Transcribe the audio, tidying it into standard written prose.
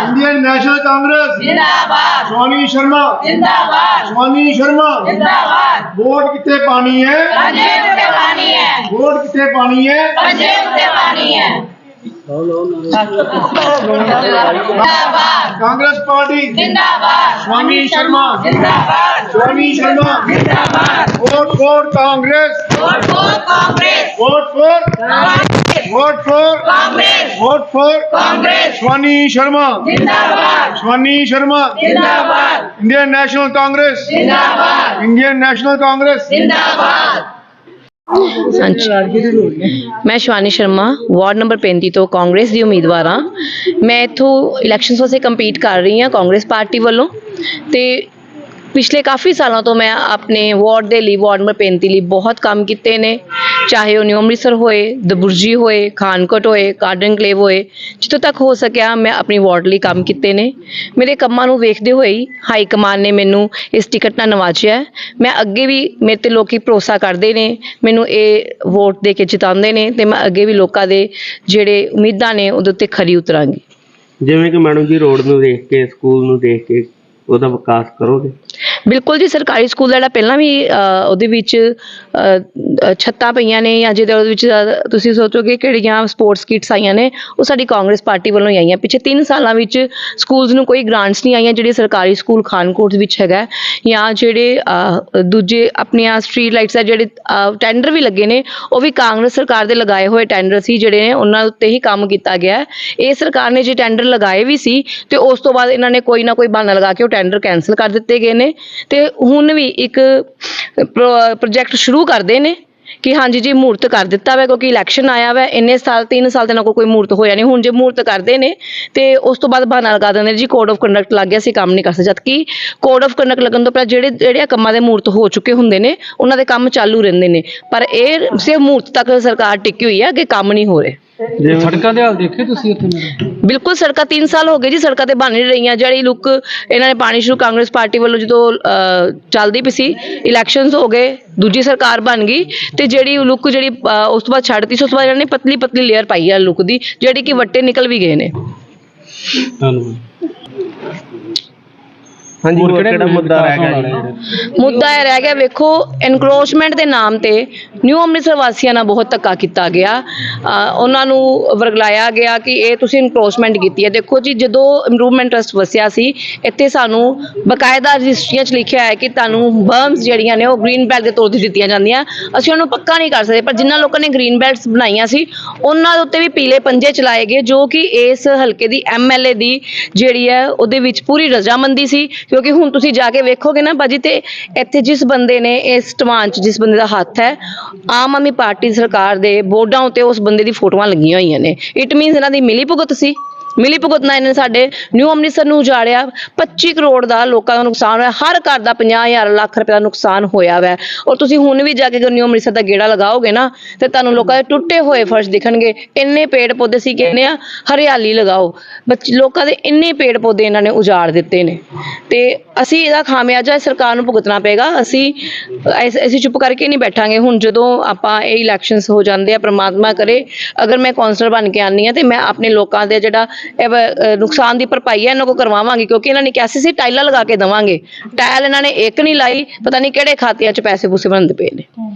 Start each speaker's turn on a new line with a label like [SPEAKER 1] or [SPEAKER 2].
[SPEAKER 1] Indian national Congress
[SPEAKER 2] जिंदाबाद।
[SPEAKER 1] स्वामी शर्मा
[SPEAKER 2] जिंदाबाद।
[SPEAKER 1] स्वामी शर्मा
[SPEAKER 2] जिंदाबाद।
[SPEAKER 1] वोट कितने पानी है
[SPEAKER 2] पंजेब से पानी है।
[SPEAKER 1] वोट कितने पानी है
[SPEAKER 2] पंजेब से पानी है। जिंदाबाद।
[SPEAKER 1] कांग्रेस पार्टी
[SPEAKER 2] जिंदाबाद।
[SPEAKER 1] स्वामी शर्मा
[SPEAKER 2] जिंदाबाद।
[SPEAKER 1] स्वामी शर्मा
[SPEAKER 2] जिंदाबाद।
[SPEAKER 1] Vote for Congress
[SPEAKER 2] vote for Congress.
[SPEAKER 1] Vote for
[SPEAKER 2] Congress.
[SPEAKER 1] Vote for
[SPEAKER 2] Congress.
[SPEAKER 1] Vote for
[SPEAKER 2] Congress.
[SPEAKER 1] Swami Sharma
[SPEAKER 2] जिंदाबाद।
[SPEAKER 1] स्वामी शर्मा
[SPEAKER 2] जिंदाबाद।
[SPEAKER 1] इंडियन नेशनल कांग्रेस
[SPEAKER 2] जिंदाबाद।
[SPEAKER 1] इंडियन नेशनल कांग्रेस
[SPEAKER 2] जिंदाबाद।
[SPEAKER 3] मैं शिवानी शर्मा वार्ड नंबर 35 तो कांग्रेस ਦੀ ਉਮੀਦਵਾਰ ਹਾਂ। ਮੈਂ ਇੱਥੋਂ ਇਲੈਕਸ਼ਨਸ ਵਾਸਤੇ ਕੰਪੀਟ ਕਰ ਰਹੀ ਹਾਂ ਕਾਂਗਰਸ ਪਾਰਟੀ ਵੱਲੋਂ ਤੇ ਪਿਛਲੇ ਕਾਫੀ ਸਾਲਾਂ ਤੋਂ ਮੈਂ ਆਪਣੇ ਵਾਰਡ ਦੇ ਲਈ ਵਾਰਡ ਨੰਬਰ 35 ਲਈ ਬਹੁਤ ਕੰਮ ਕੀਤੇ ਨੇ, ਚਾਹੇ ਉਹ ਨਿਊ ਅੰਮ੍ਰਿਤਸਰ ਹੋਏ, ਦਬੁਰਜੀ ਹੋਏ, ਖਾਨਕੋਟ ਹੋਏ, ਕਾਰਡਨ ਕਲੇਵ ਹੋਏ, ਜਿੱਥੋਂ ਤੱਕ ਹੋ ਸਕਿਆ ਮੈਂ ਆਪਣੀ ਵਾਰਡ ਲਈ ਕੰਮ ਕੀਤੇ ਨੇ। ਮੇਰੇ ਕੰਮਾਂ ਨੂੰ ਵੇਖਦੇ ਹੋਏ ਹੀ ਹਾਈ ਕਮਾਨ ਨੇ ਮੈਨੂੰ ਇਸ ਟਿਕਟ ਨਾਲ ਨਵਾਜਿਆ ਹੈ। ਮੈਂ ਅੱਗੇ ਵੀ ਮੇਰੇ ਤੇ ਲੋਕੀ ਭਰੋਸਾ ਕਰਦੇ ਨੇ, ਮੈਨੂੰ ਇਹ ਵੋਟ ਦੇ ਕੇ ਜਿਤਾਉਂਦੇ ਨੇ ਤੇ ਮੈਂ ਅੱਗੇ ਵੀ ਲੋਕਾਂ ਦੇ ਜਿਹੜੇ ਉਮੀਦਾਂ ਨੇ ਉਹਦੇ ਉੱਤੇ ਖਰੀ ਉਤਰਾਂਗੀ।
[SPEAKER 4] ਜਿਵੇਂ ਕਿ ਮੈਡਮ ਜੀ ਰੋਡ ਨੂੰ ਦੇਖ ਕੇ, ਸਕੂਲ ਨੂੰ ਦੇਖ ਕੇ ਉਹਦਾ ਵਿਕਾਸ ਕਰੋਗੇ?
[SPEAKER 3] ਬਿਲਕੁਲ ਜੀ, ਸਰਕਾਰੀ ਸਕੂਲ ਦਾ ਜਿਹੜਾ ਪਹਿਲਾਂ ਵੀ ਉਹਦੇ ਵਿੱਚ ਛੱਤਾਂ ਪਈਆਂ ਨੇ ਜਾਂ ਜਿਹਦੇ ਉਹਦੇ ਵਿੱਚ ਤੁਸੀਂ ਸੋਚੋਗੇ ਕਿਹੜੀਆਂ ਸਪੋਰਟਸ ਕਿਟਸ ਆਈਆਂ ਨੇ, ਉਹ ਸਾਡੀ ਕਾਂਗਰਸ ਪਾਰਟੀ ਵੱਲੋਂ ਹੀ ਆਈਆਂ। ਪਿਛੇ 3 ਸਾਲਾਂ ਵਿੱਚ ਸਕੂਲਸ ਨੂੰ ਕੋਈ ਗ੍ਰਾਂਟਸ ਨਹੀਂ ਆਈਆਂ। ਜਿਹੜੇ ਸਰਕਾਰੀ ਸਕੂਲ ਖਾਨਕੋਟ ਵਿੱਚ ਹੈਗਾ ਜਾਂ ਜਿਹੜੇ ਦੂਜੇ ਆਪਣੀਆਂ ਸਟਰੀਟ ਲਾਈਟਸ ਆ, ਜਿਹੜੇ ਟੈਂਡਰ ਵੀ ਲੱਗੇ ਨੇ, ਉਹ ਵੀ ਕਾਂਗਰਸ ਸਰਕਾਰ ਦੇ ਲਗਾਏ ਹੋਏ ਟੈਂਡਰ ਸੀ, ਜਿਹੜੇ ਨੇ ਉਹਨਾਂ ਉੱਤੇ ਹੀ ਕੰਮ ਕੀਤਾ ਗਿਆ। ਇਹ ਸਰਕਾਰ ਨੇ ਜੇ ਟੈਂਡਰ ਲਗਾਏ ਵੀ ਸੀ ਤੇ ਉਸ ਤੋਂ ਬਾਅਦ ਇਹਨਾਂ ਨੇ ਕੋਈ ਨਾ ਕੋਈ ਬਹਾਨਾ ਲਗਾ ਕੇ ਉਹ ਟੈਂਡਰ ਕੈਂਸਲ ਕਰ ਦਿੱਤੇ ਗਏ ਨੇ ਤੇ ਹੁਣ ਵੀ ਇੱਕ ਪ੍ਰੋਜੈਕਟ ਸ਼ੁਰੂ ਕਰਦੇ ਨੇ ਕਿ ਹਾਂਜੀ ਜੀ ਮੂਰਤ ਕਰ ਦਿੱਤਾ ਵਾ, ਕਿਉਂਕਿ ਇਲੈਕਸ਼ਨ ਆਇਆ ਵਾ। ਇੰਨੇ ਸਾਲ 3 ਸਾਲ ਤੇ ਨਾ ਕੋਈ ਮੂਰਤ ਹੋਇਆ ਨਹੀਂ। ਹੁਣ ਜੇ ਮੂਰਤ ਕਰਦੇ ਨੇ ਤੇ ਉਸ ਤੋਂ ਬਾਅਦ ਬਹਾਨਾ ਲਗਾ ਦਿੰਦੇ ਨੇ ਜੀ ਕੋਡ ਆਫ ਕੰਡਕਟ ਲੱਗ ਗਿਆ, ਅਸੀਂ ਕੰਮ ਨਹੀਂ ਕਰ ਸਕਦੇ। ਜਦਕਿ ਕੋਡ ਆਫ ਕੰਡਕਟ ਲੱਗਣ ਤੋਂ ਪਹਿਲਾਂ ਜਿਹੜੇ ਕੰਮਾਂ ਦੇ ਮੂਰਤ ਹੋ ਚੁੱਕੇ ਹੁੰਦੇ ਨੇ ਉਹਨਾਂ ਦੇ ਕੰਮ ਚਾਲੂ ਰਹਿੰਦੇ ਨੇ, ਪਰ ਇਹ ਸਿਰਫ ਮੂਰਤ ਤੱਕ ਸਰਕਾਰ ਟਿੱਕੀ ਹੋਈ ਹੈ, ਅੱਗੇ ਕੰਮ ਨਹੀਂ ਹੋ ਰਹੇ।
[SPEAKER 5] ਸੜਕਾਂ ਦੇ ਹਾਲ ਦੇਖੇ ਤੁਸੀਂ ਇੱਥੇ?
[SPEAKER 3] ਬਿਲਕੁਲ, ਸੜਕਾਂ 3 ਸਾਲ ਹੋ ਗਏ ਜੀ, ਸੜਕਾਂ ਤੇ ਬਣ ਨਹੀਂ ਰਹੀਆਂ। ਜਿਹੜੀ ਲੁੱਕ ਇਹਨਾਂ ਨੇ ਪਾਣੀ ਸ਼ੁਰੂ ਕਾਂਗਰਸ ਪਾਰਟੀ ਵੱਲੋਂ ਜਦੋਂ ਚੱਲਦੀ ਪਈ ਸੀ, ਇਲੈਕਸ਼ਨਸ ਹੋ ਗਏ, ਦੂਜੀ ਸਰਕਾਰ ਬਣ ਗਈ ਤੇ ਜਿਹੜੀ ਲੁੱਕ ਜਿਹੜੀ ਉਸ ਤੋਂ ਬਾਅਦ ਛੱਡਤੀ ਸੀ, ਉਸ ਤੋਂ ਬਾਅਦ ਇਹਨਾਂ ਨੇ ਪਤਲੀ ਪਤਲੀ ਲੇਅਰ ਪਾਈ ਹੈ ਲੁੱਕ ਦੀ, ਜਿਹੜੀ ਕਿ ਵੱਟੇ ਨਿਕਲ ਵੀ ਗਏ ਨੇ।
[SPEAKER 5] ਧੰਨਵਾਦ।
[SPEAKER 4] ਹਾਂਜੀ, ਹੋਰ ਕਿਹੜਾ ਮੁੱਦਾ ਰਹਿ ਗਿਆ ਜੀ?
[SPEAKER 3] ਮੁੱਦਾ ਇਹ ਰਹਿ ਗਿਆ, ਵੇਖੋ ਐਨਕਰੋਚਮੈਂਟ ਦੇ ਨਾਮ ਤੇ ਨਿਊ ਅੰਮ੍ਰਿਤਸਰ ਵਾਸੀਆਂ ਨਾਲ ਬਹੁਤ ਧੱਕਾ ਕੀਤਾ ਗਿਆ। ਉਹਨਾਂ ਨੂੰ ਵਰਗਲਾਇਆ ਗਿਆ ਕਿ ਇਹ ਤੁਸੀਂ ਐਨਕਰੋਚਮੈਂਟ ਕੀਤੀ ਹੈ। ਦੇਖੋ ਜੀ, ਜਦੋਂ ਇੰਪਰੂਵਮੈਂਟ ਟਰਸਟ ਵਸਿਆ ਸੀ, ਇੱਥੇ ਸਾਨੂੰ ਬਕਾਇਦਾ ਰਜਿਸਟਰੀਆਂ 'ਚ ਲਿਖਿਆ ਹੈ ਕਿ ਤੁਹਾਨੂੰ ਬਰਮਸ ਜਿਹੜੀਆਂ ਨੇ ਉਹ ਗ੍ਰੀਨ ਬੈਲਟ ਦੇ ਤੌਰ 'ਤੇ ਦਿੱਤੀਆਂ ਜਾਂਦੀਆਂ। ਅਸੀਂ ਉਹਨੂੰ ਪੱਕਾ ਨਹੀਂ ਕਰ ਸਕਦੇ, ਪਰ ਜਿਨ੍ਹਾਂ ਲੋਕਾਂ ਨੇ ਗ੍ਰੀਨ ਬੈਲਟਸ ਬਣਾਈਆਂ ਸੀ ਉਹਨਾਂ ਦੇ ਉੱਤੇ ਵੀ ਪੀਲੇ ਪੰਜੇ ਚਲਾਏ ਗਏ, ਜੋ ਕਿ ਇਸ ਹਲਕੇ ਦੀ MLA ਦੀ ਜਿਹੜੀ ਹੈ ਉਹਦੇ ਵਿੱਚ ਪੂਰੀ ਰਜ਼ਾਮੰਦੀ ਸੀ। ਕਿਉਂਕਿ ਹੁਣ ਤੁਸੀਂ ਜਾ ਕੇ ਵੇਖੋਗੇ ਨਾ ਭਾਜੀ, ਤੇ ਇੱਥੇ ਜਿਸ ਬੰਦੇ ਨੇ ਇਸ ਟਵਾਨ 'ਚ ਜਿਸ ਬੰਦੇ ਦਾ ਹੱਥ ਹੈ, ਆਮ ਆਦਮੀ ਪਾਰਟੀ ਸਰਕਾਰ ਦੇ ਬੋਰਡਾਂ ਉੱਤੇ ਉਸ ਬੰਦੇ ਦੀ ਫੋਟੋਆਂ ਲੱਗੀਆਂ ਹੋਈਆਂ ਨੇ। ਇਟ ਮੀਨਸ ਇਹਨਾਂ ਦੀ ਮਿਲੀ ਭੁਗਤ ਸੀ। ਮਿਲੀ ਭੁਗਤ ਨਾਲ ਇਹਨੇ ਸਾਡੇ ਨਿਊ ਅੰਮ੍ਰਿਤਸਰ ਨੂੰ ਉਜਾੜਿਆ। 25 ਕਰੋੜ ਦਾ ਲੋਕਾਂ ਦਾ ਨੁਕਸਾਨ ਹੋਇਆ, ਹਰ ਘਰ ਦਾ 50,000 ਲੱਖ ਰੁਪਏ ਦਾ ਨੁਕਸਾਨ ਹੋਇਆ ਵੈ। ਔਰ ਤੁਸੀਂ ਹੁਣ ਵੀ ਜਾ ਕੇ ਨਿਊ ਅੰਮ੍ਰਿਤਸਰ ਦਾ ਗੇੜਾ ਲਗਾਓਗੇ ਨਾ ਤੇ ਤੁਹਾਨੂੰ ਲੋਕਾਂ ਦੇ ਟੁੱਟੇ ਹੋਏ ਫਰਸ਼ ਦਿਖਣਗੇ। ਇੰਨੇ ਪੇੜ ਪੌਦੇ ਸੀ, ਕਹਿੰਦੇ ਆ ਹਰਿਆਲੀ ਲਗਾਓ, ਲੋਕਾਂ ਦੇ ਇੰਨੇ ਪੇੜ ਪੌਦੇ ਇਹਨਾਂ ਨੇ ਉਜਾੜ ਦਿੱਤੇ ਨੇ ਤੇ ਅਸੀਂ ਇਹਦਾ ਖਾਮਿਆਜਾ ਸਰਕਾਰ ਨੂੰ ਭੁਗਤਣਾ ਪਏਗਾ। ਅਸੀਂ ਚੁੱਪ ਕਰਕੇ ਨਹੀਂ ਬੈਠਾਂਗੇ। ਹੁਣ ਜਦੋਂ ਆਪਾਂ ਇਹ ਇਲੈਕਸ਼ਨਸ ਹੋ ਜਾਂਦੇ ਆ, ਪ੍ਰਮਾਤਮਾ ਕਰੇ ਅਗਰ ਮੈਂ ਕੌਂਸਲਰ ਬਣ ਕੇ ਆਉਂਦੀ ਹਾਂ ਤੇ ਮੈਂ ਆਪਣੇ ਲੋਕਾਂ ਦੇ ਜਿਹੜਾ ਨੁਕਸਾਨ ਦੀ ਭਰਪਾਈ ਹੈ ਇਹਨਾਂ ਕੋਲ ਕਰਵਾਵਾਂਗੀ, ਕਿਉਂਕਿ ਇਹਨਾਂ ਨੇ ਕਿਹਾ ਸੀ ਟਾਈਲਾਂ ਲਗਾ ਕੇ ਦੇਵਾਂਗੇ। ਟਾਇਲ ਇਹਨਾਂ ਨੇ ਇੱਕ ਨਹੀਂ ਲਾਈ, ਪਤਾ ਨਹੀਂ ਕਿਹੜੇ ਖਾਤਿਆਂ 'ਚ ਪੈਸੇ ਪੂਸੇ ਬਣਦੇ ਪਏ ਨੇ।